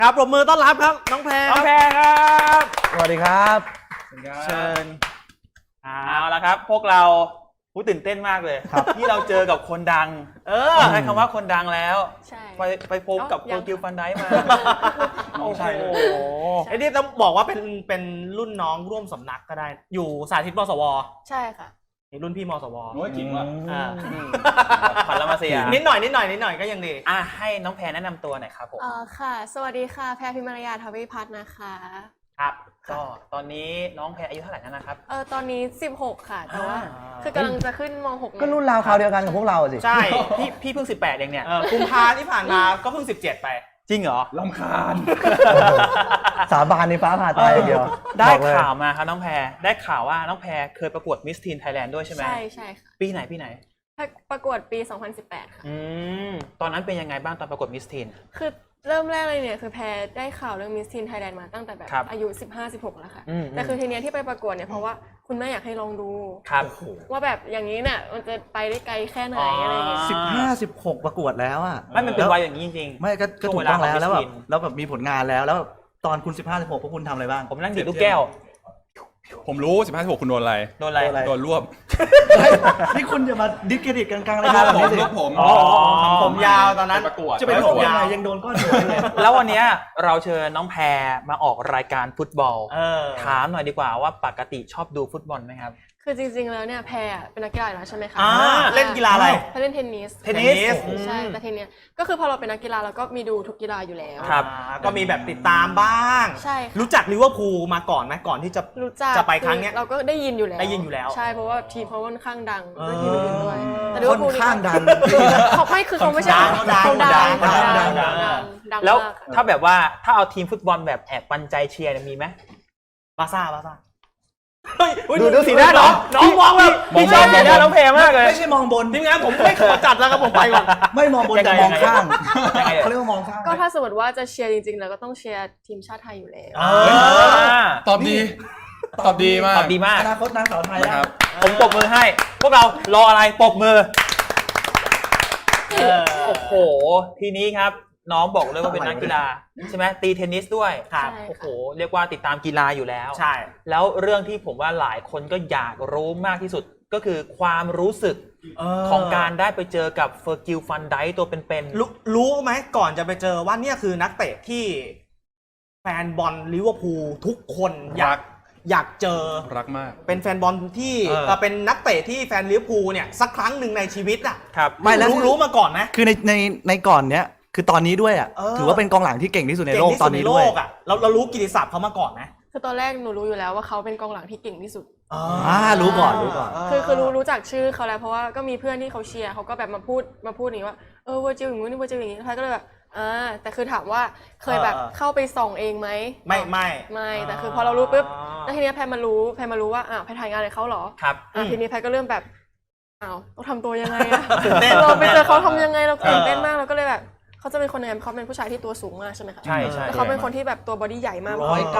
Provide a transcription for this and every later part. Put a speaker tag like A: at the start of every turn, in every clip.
A: ครับปรบมือต้อนรับครับน้องแพร
B: น้องแพรครับ
C: สวัสดีครับ
A: เชิญ
B: เอาละครับพวกเราตื่นเต้นมากเลยที่เราเจอกับคนดังใช้คำว่าคนดังแล้ว
D: ใช่
B: ไปพบกับโปรกิวฟันไดมา
A: น้องชายเลย
B: โอ้โห
A: ไอ้นี่ต้องบอกว่าเป็นรุ่นน้องร่วมสำนักก็ได้ อยู่สาธิตมสว
D: ใช่ค่ะ
A: นี่รุ่นพี่มสว
C: โอ้ยจริงว่ะ
B: ขวัญละมาเสีย
A: นิดหน่อยก็ยังดี
B: ให้น้องแพรแนะนำตัวหน่อยครับผม
D: ค่ะ สวัสดีค่ะ แพรพิมารยาทวิพัฒน์นะคะ
B: ครับก็ตอนนี้น้องแพรอายุเท่าไหร่แล้วนะครับ
D: ตอนนี้ 16 ค่ะ แต่ว่า
B: อ่า
D: คือกำลังจะขึ้นม .6
C: ก็รุ่นราวคราวเดียวกันกับพวกเราสิ
A: ใช่
B: พี่เพิ่ง18เองเนี่ย
A: กุมภาที่ผ่านมาก็เพิ่ง17ไป
B: จริงเหรอ
C: ลำคาญ สาบานในฟ้าผ่าตายอย่างเดียว
B: ได้
C: บอกเลย
B: ข่าวมาครับน้องแพรได้ข่าวว่าน้องแพรเคยประกวดมิสทีนไทยแลนด์ด้วยใช่ไหม
D: ใช่ค่ะ
B: ปีไหน
D: ประกวดปี 2018 ค่ะ
B: ตอนนั้นเป็นยังไงบ้างตอนประกวดมิสทีน
D: คือเริ่มแรกเลยเนี่ยคือแพรได้ข่าวเรื่องมิสทีนไทยแลนด์มาตั้งแต่แบบ
B: ครับ
D: อายุ 15-16 แล้วค่ะ
B: อืม
D: แต่คือทีเนี้ยที่ไปประกวดเนี่ยเพราะว่าคุณแม่อยากให้ลองดู
B: ครับ
D: ว่าแบบอย่างนี้เนี่ยมันจะไปได้ไกลแค่ไหนอะไรอย่างเงี้ย
C: 15-16 ประกวดแล้วอ่ะ
B: ไม่มันเป็นวัยอย่างนี้จริงๆ
C: ไม่ก็ถูกต้องแล้ว
B: ช่วงเวลาของ
C: แล้วแบบ
B: Miss Teen
C: แล้วแบบมีผลงานแล้วตอนคุณ 15-16 พวกคุณทำอะไรบ้าง
B: ผมนั่งดีดลูกแก้ว
E: ผมรู้ 15-16 คุณโดนอะไร
B: โดนอะไร
C: โดนอะไร
E: โดนรวบ
C: นี่คุณอย่ามาดิสเครดิตกลางๆรายการแบบนี้สิ
E: รวบผม
B: อ๋อ
A: ผมยาวตอนนั้น
E: ไปประกวด
C: จะเป็น
A: ผ
C: ผม
A: ม
C: ยัง
A: ยาว
C: ไงยังโดนก้อนหัวเลย
B: แล้ววันเนี้ยเราเชิญน้องแพรมาออกรายการฟุตบอล ถามหน่อยดีกว่าว่าปกติชอบดูฟุตบอลไหมครับ
D: คือจริงๆแล้วเนี่ยแพรเป็นนักกีฬาอยู่แล้วใช่ไหมคะ
A: เล่นกีฬาอะไร
D: แพรเล่นเทนนิส
A: เทนนิส
D: ใช่แต่ทีเนี้ยก็คือพอเราเป็นนักกีฬาเราก็มีดูทุกกีฬาอยู่แล้ว
B: ครับ
A: ก็มีแบบติดตามบ้าง
D: ใช่ค่ะ
A: รู้จักลิเวอร์พูลมาก่อนไหมก่อนที่จะ
D: รู้จัก
A: จะไปครั้งเนี้ย
D: เราก็ได้ยินอยู่แล้ว
A: ได้ยินอยู่แล้ว
D: ใช่เพราะว่าทีมเขาค่อนข้างดัง
A: เออ
D: ด้วยทีมอื่นด้วยแต่ลิ
C: ค
D: เวอน ร์พูล
C: ข้างดัง
D: เขาไม่คือเขาไม่ใช่
A: ดัง
D: เขาดัง
A: ดัง
D: ดัง
B: แล้ว
D: มากค่ะ
B: ถ้าแบบว่าถ้าเอาทีมฟุตบอลแบบแอบปันใจเชียร์เนี่ยมีไหม
A: บาซ่า
B: ดูสีหน้าน้องมองแบบพี่ชอบสีหน้าน้องแพรมากเลย
C: ไม่ใช่มองบน
A: ทีมงานผมไม่ขอจัดแล้วครับผมไปก่อน
C: ไม่มองบนแต่มองข้าง
B: ยังไง
C: เขาเรียกว่ามองข้าง
D: ก็ถ้าสมมติว่าจะเชียร์จริงๆแล้วก็ต้องเชียร์ทีมชาติไทยอยู่แล้ว
E: ตอบดี ตอบดีมาก
B: ตอบดีมาก
C: อนาคตนางสาวไทย
E: นะ
C: แล้ว
E: ครับ
B: ผมปรบมือให้ พวกเรารออะไรปรบมือโอ้โห ทีนี้ครับน้องบอกเลยว่าเป็นนักกีฬาใช่ไหมตีเทนนิสด้วย
A: ครับ
D: ใช่
B: โอ้โห
D: ค่ะ
B: เรียกว่าติดตามกีฬาอยู่แล้ว
A: ใช่
B: แล้วเรื่องที่ผมว่าหลายคนก็อยากรู้มากที่สุดก็คือความรู้สึกของการได้ไปเจอกับเฟอร์กิลฟันไดตัวเป็น
A: รู้ไหมก่อนจะไปเจอว่าเนี่ยคือนักเตะที่แฟนบอลลิเวอร์พูลทุกคนอยากเจอ
E: รักมาก
A: เป็นแฟนบอลที่เป็นนักเตะที่แฟนลิเวอร์พูลเนี่ยสักครั้งหนึ่งในชีวิตอ่ะ
B: ๆครับ
C: ไม่แล้ว
A: รู้มาก่อนไหม
C: คือในก่อนเนี้ยคือตอนนี้ด้วยอ่ะ ถือว่าเป็นกองหลังที่เก่งที่สุดในโลก
A: เก่งที่
C: ต
A: สุ
C: อ
A: ด
C: น
A: ใน
C: นี้
A: โล
C: ด้วย
A: กอ่ะเรารู้กิตติศัพท์เขามาก่อนไหม
D: คือตอนแรกหนูรู้อยู่แล้วว่าเขาเป็นกองหลังที่เก่งที่สุด
C: รู้ก่อน
D: คือรู้จักชื่อเขาแล้วเพราะว่าก็มีเพื่อนที่เขาเชียร์เขาก็แบบมาพูดอย่างนี้ว่าเวอร์จิลอย่างนี้เวอร์จิลอย่างนี้ท้ายก็เลยแบบแต่คือถามว่าเคยแบบเข้าไปส่องเองไหม
A: ไม่
D: แต่คือพอเรารู้ปุ๊บแล้วทีเนี้ยแพรมารู้ว่าแพรถ่ายงานกับเขาเหรอ
B: ครับ
D: ทีนี้แพรก็เริ่มแบบต้องทำตัวยังไงอะ
A: ตื่นเต้น
D: เราไปเจอเขาทำยังไงเราตื่นเต้นมากเราก็เลยแบบเขาจะเป็นคนยังไงเขาเป็นผู้ชายที่ตัวสูงมากใช่ไหมคะ
B: ใช่
D: แต่เขาเป็นคนที่แบบตัวบอดี้ใหญ่มาก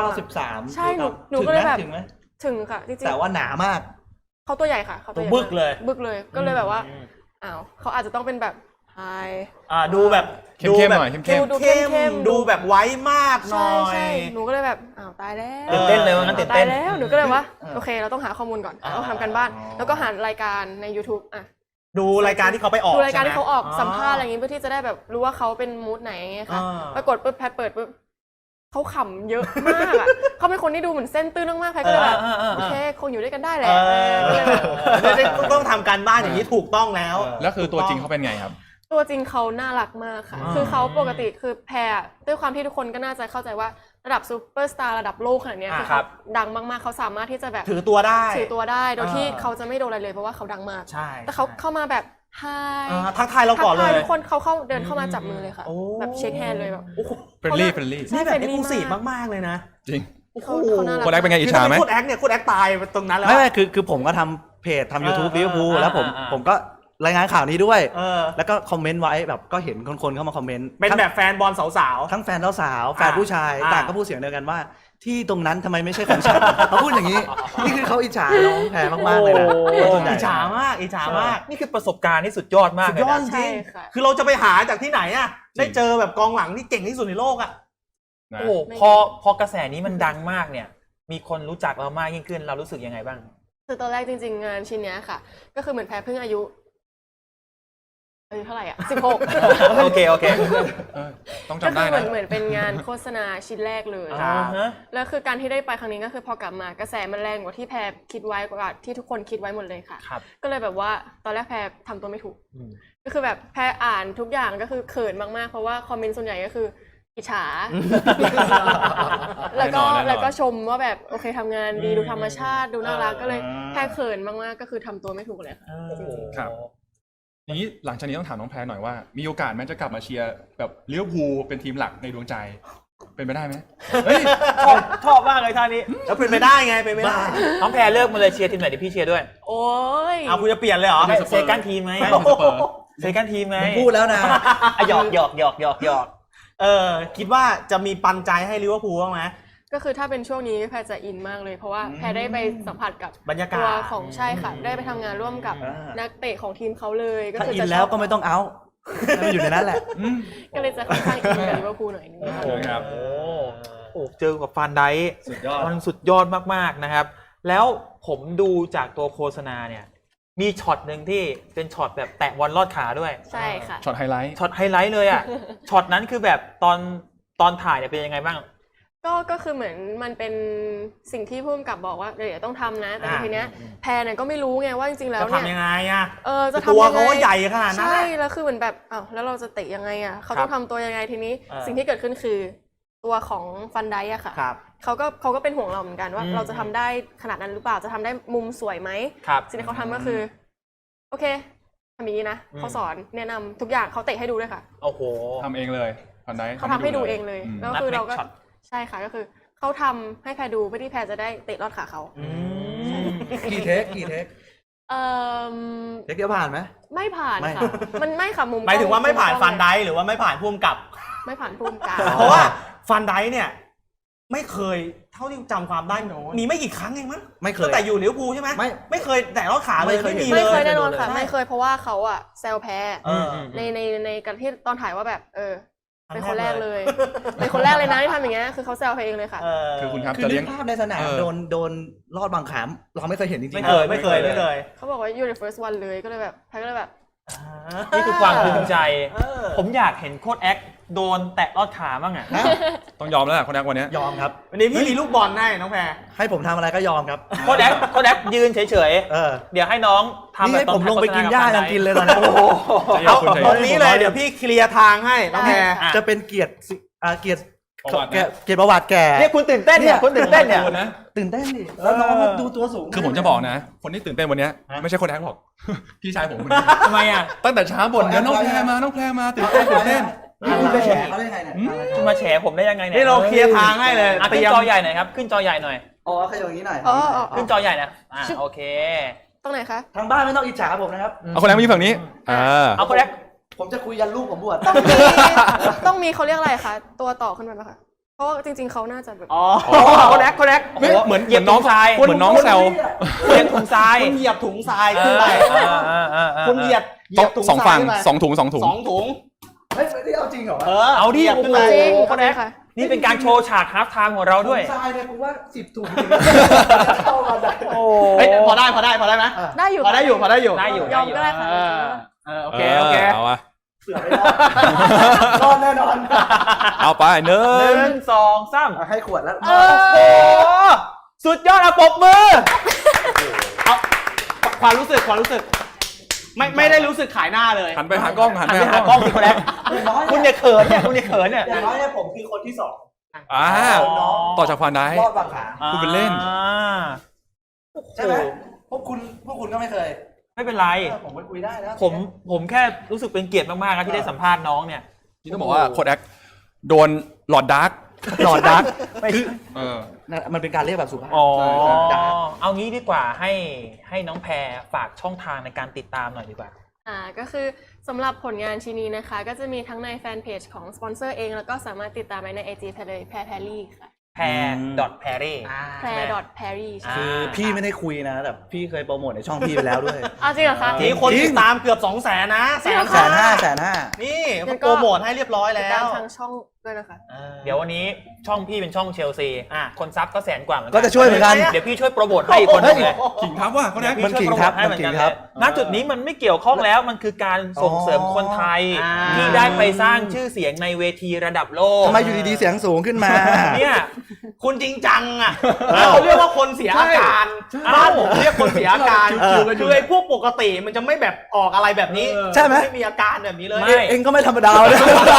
C: 193
D: ใช่หนูก็เลยแบบ
C: ถึงไหม
D: ถึงค่ะจริงๆ
C: แต่ว่าหนามาก
D: เขาตัวใหญ่ค่ะเขาตัวใหญ่
A: บึกเลย
D: บึกเลยก็เลยแบบว่าเขาอาจจะต้องเป็นแบบไฮ
A: ดูแบบ
E: เข้มๆหน่อยเข้ม
D: ดู
A: เข้มดูแบบไว้มากหน่
D: ใช่
A: อย
D: หนูก็เลยแบบตายแล้ว
B: ตื่นเต้นเลยว่างั้นตื่นเต้น
D: ตายแล้วหนูก็เลยว่าโอเคเราต้องหาข้อมูลก่อนต้องทำกันบ้านแล้วก็หารายการใน YouTube
A: ดูรายการที่เขาไปออก
D: ดูรายการ
A: ใช่ไหม
D: ที่เขาออกสัมภาษณ์อะไรอย่างงี้เพื่อที่จะได้แบบรู้ว่าเขาเป็นมูดไหนไงค่ะปรากฏปุ๊บแพทเปิดปุ๊บเขาขำเยอะมากอ่ะเขาเป็นคนที่ดูเหมือนเส้นตื้นมากๆแพทก็เลยแบบโอเคคงอยู่ด้วยกันได้แหละก็เลยแบบ
A: ต้องทำการบ้านอย่างนี้ถูกต้องแล้ว
E: แล้วคือตัวจริงเขาเป็นไงครับ
D: ตัวจริงเขาน่ารักมากค่ะคือเขาปกติคือแพรด้วยความที่ทุกคนก็น่าจะเข้าใจว่าระดับซูเปอร์สตาร์ระดับโลกขนาดนี้คือเขาดังมากๆเขาสามารถที่จะแบบ
A: ถือตัวได้
D: โดยที่เขาจะไม่โดนอะไรเลยเพราะว่าเขาดังมาก
A: ใช่
D: แต่เขาเข้ามาแบบไฮ
A: ทักทายเราก่อนเลย
D: ทุกคนเขาเดินเข้ามาจับมือเลยค่ะแบบเช็คแฮนด์เลยแบบ
E: เฟรนลี่เฟรนลี่
A: นี่แบบเอ็กซ์คลูซีฟมากๆเลยนะ
E: จริง
D: เขาน่ารัก
E: โค้ชแอคเป็นไงอิจฉาไหม
A: โค้ดแอคเนี่ยโค้ดแอคตายตรงนั้นแล้ว
C: ไม่คือผมก็ทำเพจทำ YouTube ลิเวอร์พูลแล้วผมก็รายงานข่าวนี้ด้วย แล้วก็คอมเมนต์ไว้แบบก็เห็นคนเข้ามาคอมเมนต์
A: เป็นแบบแฟนบอลสาว
C: ทั้งแฟนสาวแฟนผู้ชายต่างก็พูดเสียงเดียวกันว่า ที่ตรงนั้นทำไมไม่ใช่ของฉันเขาพูดอย่างนี้ นี่คือเขาอิจฉาน้องแพรมากๆเลยนะ
A: อิจฉามาก
B: นี่คือประสบการณ์ที่สุดยอดมาก
A: สุด
B: เลย
A: ยอด
B: นะ
A: จริงคือเราจะไปหาจากที่ไหนอ่ะได้เจอแบบกองหลังที่เก่งที่สุดในโลกอ่ะ
E: นะ
B: โอ้พอกระแสนี้มันดังมากเนี่ย มีคนรู้จักเรามากยิ่งขึ้นเรารู้สึกยังไงบ้าง
D: คือตอนแรกจริงๆงานชิ้นเนี้ยค่ะ ก็คือเหมือนแพรเพิ่งอายุเท่าไหร่อ่ะ16
B: โอเค
E: เออต้อง
D: ก็
E: จำ
D: คื
E: ได้
D: อเหมื
E: นะ
D: อนเป็นงานโฆษณาชิ้นแรกเลย
B: อ่าฮะ
D: แล้วคือการที่ได้ไปครั้งนี้ก็คือพอกลับมากระแสมันแรงกว่าที่แพรคิดไว้กว่าที่ทุกคนคิดไว้หมดเลยค่ะ
B: ครับ
D: ก็เลยแบบว่าตอนแรกแพรทำตัวไม่ถูก
B: อืม
D: ก็คือแบบแพรอ่านทุกอย่างก็คือเขินมากๆเพราะว่าคอมเมนต์ส่วนใหญ่ก็คืออิจฉา แล้วก็ชมว่าแบบโอเคทำงานดีดูธรรมชาติดูน่ารักก็เลยแพรเขินมากๆก็คือทำตัวไม่ถูกเลยค่ะ
E: ครับ อย่างนี้หลังจากนี้ต้องถามน้องแพรหน่อยว่า มีโอกาสไหมจะกลับมาเชียร์แบบลิเวอร์พูลเป็นทีมหลักในดวงใจ เป็นไปได้ไหมเฮ้ย
B: ชอบมากเลยท่านี้
A: แล้วเป็นไปได้ไงเป็นไปได้
B: น้องแพรเลิกมาเลยเชียร์ทีมไหนเดี๋ยวพี่เชียร์ด้วย
D: โอ้ย
A: เอาคุณจะเปลี่ยนเลยเหรอ
B: เซกันทีมไหม
E: ไม่เป็นสเปอร์
B: เซกันทีมไหม
C: ผมพูดแล้วนะ
B: อ่ะหยอก
A: คิดว่าจะมีปันใจให้ลิเวอร์พูลบ้างไหม
D: ก็คือถ้าเป็นช่วงนี้แพรจะอินมากเลย เพราะว่าแพรได้ไปสัมผัสกับบ
A: รรยากาศ
D: ตัวของใช่ค่ะ ได้ไปทำงานร่วมกับนักเตะของทีมเขาเลยก็
C: ถ้า
D: คือ
C: อิน
D: จะ
C: แล้วก็ไม่ต้องเอาให้มันอยู่ในนั้นแหละ
D: ก็เลยจะค่อนข้างอินกับลิเวอร์พูลหน่อยนึงค่ะ
E: ครับ
B: โอ้เจอกับฟานไดค์
C: สุดยอด
B: มันสุดยอดมากๆนะครับ แล้วผมดูจากตัวโฆษณาเนี่ย มีช็อตหนึ่งที่เป็นช็อตแบบแตะบอลลอดขาด้วย
D: ใช่ค่ะ
E: ช็อตไฮไลท์
B: ช็อตไฮไลท์เลยอ่ะ ช็อตนั้นคือแบบตอนถ่ายเนี่ยเป็นยังไงบ้าง
D: ก็คือเหมือนมันเป็นสิ่งที่ผู้กำกับบอกว่าเดี๋ยวต้องทำนะ แต่ทีเนี้ยแพรเนี่ยก็ไม่รู้ไงว่าจริงๆแล้ว
A: จะ
D: เนี่ย
A: ทำยังไงอะ
D: จะ
A: ตัว
D: ทำยังไง
A: เขาก็ใหญ่ขนาดนั้น
D: ใช่
A: อะ
D: แล้วคือเหมือนแบบอ้าวแล้วเราจะเตะยังไงอ่ะเขาต้องทำตัวยังไงทีนี้ สิ่งที่เกิดขึ้นคือตัวของฟันไดอะค่ะ
A: ครับ
D: เขาก็เป็นห่วงเราเหมือนกันว่า เราจะทำได้ขนาดนั้นหรือเปล่าจะทำได้มุมสวยไหม
B: ครับ
D: สิ่งที่เขาทำก็คือ โอเคทำอย่างนี้นะเขาสอนแนะนำทุกอย่างเขาเตะให้ดูด้วยค่ะ
B: โอ้โห
E: ทำเองเลยพันได
D: เขาทำให้ดูเองเลย
E: อืม
D: แล้วคือเราก็
B: นัด make shot
D: ใช่ค่ะก็คือเขาทำให้แพรดูเพื่อที่แพรจะได้เตะลอดขาเขา
C: กี่เทค
D: เอ่อ
C: เทคเดียวผ่านไหม
D: ไม่ผ่าน
C: ไม่
D: ค่ะมันไม่ค่ะมุม
A: หมายถึงว่าไม่ผ่าน
D: กล้อง
A: ฟันไดค์หรือว่าไม่ผ่านพุ่มกับ
D: ไม่ผ่านพุ่มกลาง
A: เพราะว่าฟันไดค์เนี่ย ไม่เคยเท่าที่จำความได้มีไม่กี่ครั้งเองมั้ง
C: ไม่เคย
A: ตั้งแต่อยู่ลิเวอร์พูลใช่ไหม
C: ไม่
A: เคยแตะรอดขาเลย
C: ไม่เคย
A: ไม่มี
C: เห็น
A: เล
D: ไม่เคย
A: ย
D: แน่นอนค่ะ
A: ใช่
D: ไม่เคยเพราะว่าเขาอะแซวแพ้
A: เออ
D: ในการที่ตอนถ่ายว่าแบบ
A: ครั้
D: เป็น
A: ง
D: คน
A: แร
D: แร
A: ก
D: ก
A: เล
D: เลย ย เป็นคนแรกเลยนะที่ทำอย่างเงี้ยคือเขาแซวแพรเองเลยค่ะ
E: คือคุณครับ
C: คือ
E: จะ
C: นึ
E: เลี้ย
C: ก
E: ง
C: ภาพในสนาม
E: เออ
C: โดนลอดบางขามเราไม่เคยเห็นจริงๆ
A: ไม่เคยไม่เคย
D: เขาบอกว่า you're the first one เลยก็เลยแบบแพรก็เลยแบบ
B: นี่คือความภูมิใจ
A: เออ
B: ผมอยากเห็นโค้ดแอคโดนแตะลอดขาบ้างอ่ะ
C: นะ
E: ต้องยอมแล้วแหละคนแรกวันเนี้ย
C: ยอมครับ
A: วันนี้พี่มีลูกบอลให้น้องแพร
C: ให้ผมทำอะไรก็ยอมครับ
B: โค้ดแอคยืนเฉย
C: เออ
B: ๆ เดี๋ยวให้น้องทำ
C: นี่
B: แบบ
C: ให้
B: ตอ
C: ผ
B: น
C: มลงไปกินหญ้ายังกินเลยตอนนี้
A: เอาตรงนี้เลยเดี๋ยวพี่เคลียร์ทางให้น้องแพร
C: จะเป็นเกียรติเกียรติ
E: ประวัตินะ
C: เกียรติประวัติแก่
B: เนี่ยคุณตื่นเต้นเนี่ยคุณตื่นเต้นเนี่ย
E: นะ
C: ตื่นเต้นดิแล้วน้องก็ดูตัวสูง
E: คือผมจะบอกนะ คนที่ตื่นเต้นวันเนี้ยไม่ใช่คนแอคหรอก พี่ชายผมคนนี้
B: ทำไมอ่ะ
E: ตั้งแต่เช้าบ่นกันน้องแพรมาตื่นเต้น
C: คุณไปแฉเขาได้ไงเนี่ย
B: คุณมาแฉผมได้ยังไงเนี่ย
A: นี่เราเคลียร์ทางให้เลย
B: อ่ะ
A: เต
B: ขึ้
A: รี
B: น
A: ยม
B: จอใหญ่หน่อยครับขึ้นจอใหญ่หน่อย
C: อ๋อขยับอย่างนี้หน่อย
D: อ๋อ
B: ขึ้นจอใหญ่นะโอเค
D: ตรงไหนคะ
C: ทางบ้านไม่ต้องอิจฉาผมนะครับ
E: เอาคนแรกมาอยู่ฝั่งนี้
B: เอาโค้ดแอค
C: ผมจะคุยยันลูกผมบวช
D: ต้องมีเขาเรียกอะไรคะตัวต่อขึ้นไปไหมคะเพราะว่าจริงๆเขาน่าจะแบบ
A: อ๋อ
B: โค้ดแอคเหมือนเหยียบน้องทราย
E: เหมือนน้องแซว
B: เหยียบถุงทราย
A: คุณเหยียบถุงทรายขึ้นไปคุณเหยียบถุง
E: สอง
A: ทรา
E: ฝั่
A: ย
E: ง
A: ขึ้นไป
E: สองถุง
A: สองถุง
C: เฮ้ยไม่ได้เอาจริงเหรอ
B: เอาดิ
A: หยียบ
B: โอ้
A: ขึ้
B: โห
A: นไป
D: จริง
B: โค้ดแอค
D: ค่ะ
B: นี่เป็นการโชว์ฉากฮาล์ฟไทม์ของเราด้วย
C: ทรายเนี่ยผมว่า10 ถุงเข้ามาได้
B: โอ้
A: เฮ้ยพอได้ไหม
D: ได้อยู่
A: พอได้อยู่
D: ยอมก็ได้ค่ะ
A: โอเคโอเค
E: เอาอะ
C: เสือไม่รอดรอดแน่นอน
E: เอาไปหนึ่
B: ห
E: ง
B: นึ่งสองสาม
C: ให้ขวดแล้ว
B: โอ้โหสุดยอดอะปรบมือ
A: เอาความรู้สึกไม่ได้รู้สึกขายหน้าเลย
E: หันไปหากล้องหัน
B: หัน
E: ไป
B: ไป
E: หา
B: หาก ก
E: ล้
B: ล้
E: อ
B: อง งสิคนแรกคุณอย่าเขินเนี่ยคุณอย่าเขินเนี่ย
C: อย่างน้อยเนี่ยผมคือคนที่2
E: อ่าต่อจากฟันได้
C: รอดบางขา
E: พูดเป็นเล่น
C: ใช่ไหมพวกคุณก็ไม่เคย
B: ไม่เป็นไร
C: ผมไปคุยได้แล้ว
B: ผมแค่รู้สึกเป็นเกียรติมากๆนะที่ได้สัมภาษณ์น้องเนี่ย
E: นี่ต้องบอกว่าโค้ดแอคโดนหลอดดาร์ก
C: หลอดดัก
E: มันเป็นการเรียกแบบสุภาพ
B: อ๋อ
E: ใช่
B: เอางี้ดีกว่าให้น้องแพรฝากช่องทางในการติดตามหน่อยดีกว่า
D: ก็คือสำหรับผลงานชิ้นนี้นะคะ ก็จะมีทั้งในแฟนเพจของสปอนเซอร์เอง แล้วก็สามารถติดตามได้ใน IG แพรเลยแพรรี่ค่ะ
B: แพรแพรรี่
D: แพรแพรรี่ใช่
C: คือพี่ไม่ได้คุยนะแต่พี่เคยโปรโมทในช่องพี่ไปแล้วด้วย
D: จริงเหรอคะ
A: มีคนติดตามเกือบ 200,000นะ
D: จริงเหรอคะ
C: 150,000
A: นี่เขาโปรโมทให้เรียบร้อย
D: ติด
A: แล้
D: ตาม
A: ว
D: ทางช่องด้วยนะคะ
B: เดี๋ยววันนี้ช่องพี่เป็นช่องเชลซี คนซับก็100,000 กว่าเหมือนกั
C: ก็จะช่วยเหมือนกัน
B: เดี๋ยวพี่ช่วยโปรโมทให้อีกคนหนึงเลย
E: ขิงทับว่ะเขาแนะ
C: มันขิงครับมันขิงครับ
B: ณจุดนี้มันไม่เกี่ยวข้องแล้วมันคือการส่งเสริมคนไทย
A: อ่า
B: ที่ได้ไปสร้างชื่อเสียงในเวทีระดับโลก
C: ทำไมอยู่ดีๆเสียงสูงขึ้นมา
B: เนี่ย
A: คุณจริงจังอ่ะเขาเรียกว่าคนเสียอาการ
B: ใช่
A: บ้านผมเรียกคนเสียอาการ
C: เออ
A: คือไอ้พวกปกติมันจะไม่แบบออกอะไรแบบนี้
C: ใช่ไหม
A: ไม่มีอาการแบบนี้เลย
B: ไม่
C: เองก็ไม่ธรรมดาเลย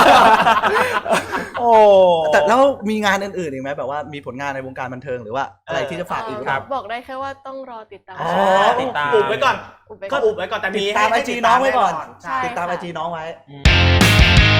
B: โอ้
C: แต่แล้วมีงานอื่นๆอีกไหมแบบว่ามีผลงานในวงการบันเทิงหรือว่าอะไรที่จะฝากอีกหรือเปล่า
D: บอกได้แค่ว่าต้องรอติดตาม
C: อ๋อ
B: ติดตาม
A: อุบไว้ก่อน
D: อุบไป
A: ก็
D: ก่อน
A: อุบไว้ก่อนแต่
C: ติ
A: มี
C: ดตามไอ
A: ให้
C: จีน้องไว้ก่อน
A: ใช่
C: ติดตามไอ
D: ค่ะ
C: จีน้องไว้
B: อืม